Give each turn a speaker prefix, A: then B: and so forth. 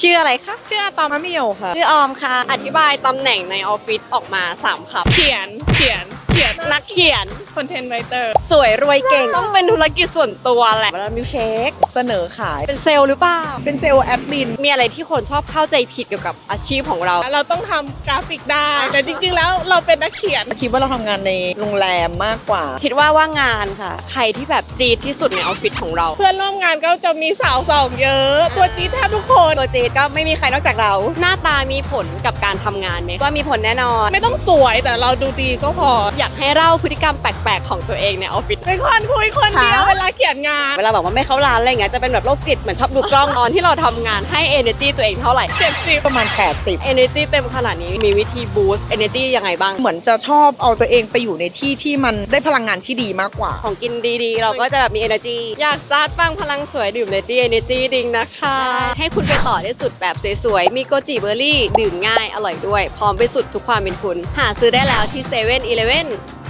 A: ชื่ออะไรคะ
B: ชื่ออะตอมมะเหมี่ยวค่ะ
A: ชื่อออมค่ะ อธิบายตำแหน่งในออฟฟิศออกมา3คำ
B: เขียน
A: นักเขียน
B: คอนเทนต์ไรเตอร์
A: สวยรวยเก่ง ต้องเป็นธุรกิจส่วนตัวแหละแล้วมิวเชค
C: เสนอขาย
A: เป็นเซลล์หรือเปล่า
C: เป็นเซลล์แอดมิน
A: มีอะไรที่คนชอบเข้าใจผิดเกี่ยวกับอาชีพของเรา
B: เราต้องทำกราฟิกได้ แต่จริงๆแล้วเราเป็นนักเขียน
C: คิดว่าเราทำงานในโรงแรมมากกว่า
A: คิดว่าว่างานค่ะ ใครที่แบบจี๊ดที่สุดในออฟฟิศของเรา
B: เพื่อนร่วมงานก็จะมีสาวสองเยอะ ตัวจี๊ดแทบทุกคน
A: ตัวจี๊ดก็ไม่มีใครนอกจากเรา หน้าตามีผลกับการทำงานไหมว่ามีผลแน่นอน
B: ไม่ต้องสวยแต่เราดูดีก็พอ
A: อยากให้เล่าพฤติกรรมแปลกๆของตัวเองในออฟฟิศ
B: เป็นคนคุยคนเดียวเวลาเขียนงาน
A: เวลาบอกว่าไม่เข้าร้านอะไรเงี้ยจะเป็นแบบโรคจิตเหมือนชอบดูกล้อง ตอนที่เราทำงานให้ energy ตัวเองเท่าไหร่
B: 70
C: ประมาณ 80
A: energy เต็มขนาดนี้มีวิธี boost energy ยังไงบ้าง
C: เหมือนจะชอบเอาตัวเองไปอยู่ในที่ที่มันได้พลังงานที่ดีมากกว่า
A: ของกินดีๆ เราก็จะแบบมี energy อยากสตาร์ทบ้างพลังสวยดื่ม Lady Energy ดิงนะคะ ให้คุณไปต่อได้สุดแบบสวยๆ มีโกจิเบอร์รี่ดื่มง่ายอร่อยด้วย พร้อมไปสุดทุกความเป็นคุณ หาซื้อได้แล้วที่7-Eleven